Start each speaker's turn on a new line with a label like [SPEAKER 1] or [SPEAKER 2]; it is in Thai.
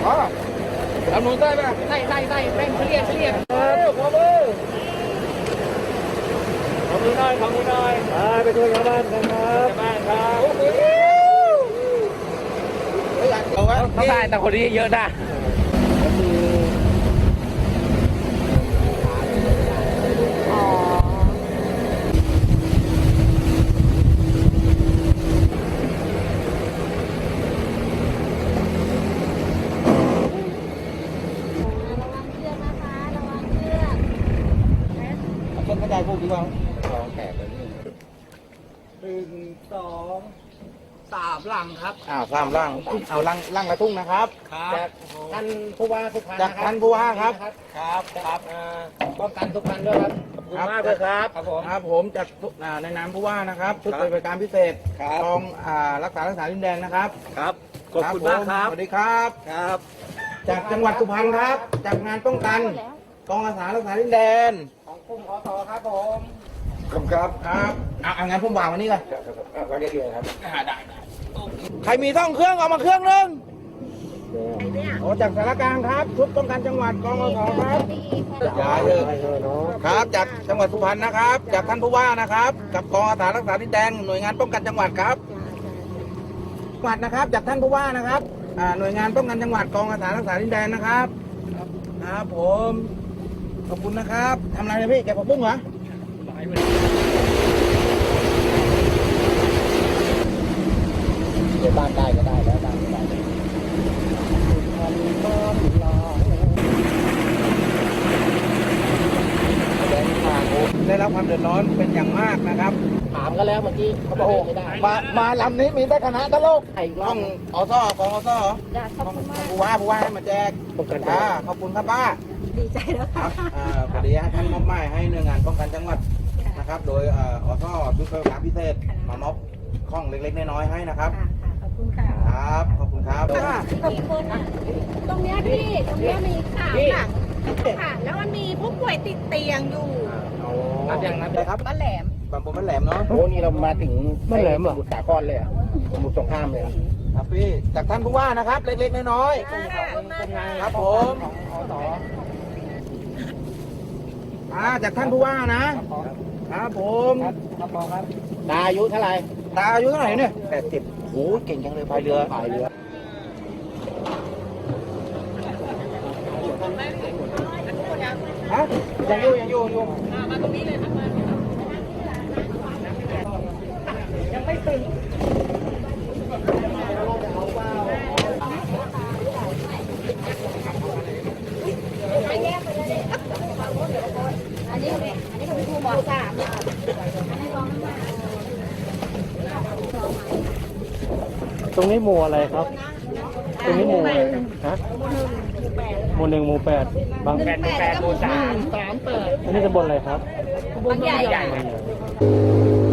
[SPEAKER 1] อ๋อทำหนูใส่ป่ะใส่แป้งเรียบขอมือหน่อยไปช่วยชาวบ้านกันครับเอาไว้เขาได้แต่คนนี้เยอะนะคนกระจายพวกดีกว่าลองแตกเลย1 2 3 ลังครับ3 ลังเอาลังละทุ่งนะครับจากท่านผู้ว่าสุพรรณจากท่านผู้ว่าครับป้องกันทุกท่านด้วยครับขอบคุณมากเลยครับผมจากในนามผู้ว่านะครับชุดปฏิบัติการพิเศษกองรักษาดินแดนนะครับขอบคุณมากครับสวัสดีครับจากจังหวัดสุพรรณครับจากงานป้องกันกองอาสารักษาดินแดนของกลุ่มขอต่อครับผมครับเอางั้นผมวางวันนี้กันวางเรียบๆครับได้ใครมีท่องเครื่องเอามาเครื่องนึงโอ้จากสารกลางครับชุดป้องกันจังหวัดกองอาสาครับอย่าเลยครับจากจังหวัดสุพรรณนะครับจากท่านผู้ว่านะครับกับกองอาสารักษาดินแดนหน่วยงานป้องกันจังหวัดครับจังหวัดนะครับจากท่านผู้ว่านะครับหน่วยงานป้องกันจังหวัดกองอาสารักษาดินแดนนะครับครับผมขอบคุณนะครับทำอะไรนะพี่แกะผักบุ้งเหรอเดี๋ยวบ้านได้ก็ได้แล้วบ้านก็ได้ได้รับความเดือดร้อนเป็นอย่างมากนะครับถามกันแล้วเมื่อกี้เขาบอกไม่ได้มาลำนี้มีแต่คณะตลกต้องกองผู้ว่าให้มาแจกขอบคุณครับป้า
[SPEAKER 2] ดีใจแล้วค่ะ
[SPEAKER 1] พอดีท่านมอบหมายให้หน่วยงานป้องกันจังหวัดนะครับโดยอสชุดปฏิบัติการพิเศษมามอบข้องเล็กๆน้อยๆให้นะครับ
[SPEAKER 2] ขอบคุณค่ะ
[SPEAKER 1] ครับขอบคุณครับ
[SPEAKER 2] ตรงนี้พี่ตรงนี้มีข่าวค่ะแล้วมันมีผู้ป่วยติดเตียงอยู่
[SPEAKER 1] นับเลยครับ
[SPEAKER 2] บ้านแหลม
[SPEAKER 1] บางปูบ้านแหลมเนาะ
[SPEAKER 3] โอ้นี่เรามาถึงบ้านแหลมเหรอสมุทรสาครเลยสมุทรสงครามเลย
[SPEAKER 1] ครับพี่จากท่านผู้ว่านะครับเล็กๆน้อยๆครับผมจากท่านผู้ว่านะครับผม
[SPEAKER 3] ตาอายุเท่าไหร่
[SPEAKER 1] เนี่ย80โอ้เก่งจังเลยพายเรือฮะยังอยู่มาตรงนี้เลยครับยังไม่ตื่น
[SPEAKER 2] อันนี้คุณครูบอกค่ะ
[SPEAKER 3] ตรงนี้หมู่อะไรครับตรงนี้หมู่อะไรฮะหมู่ 1 หมู่ 8บางแปดหมู่ 3 อันนี้ตำบลอะไรครับ
[SPEAKER 2] บางใหญ่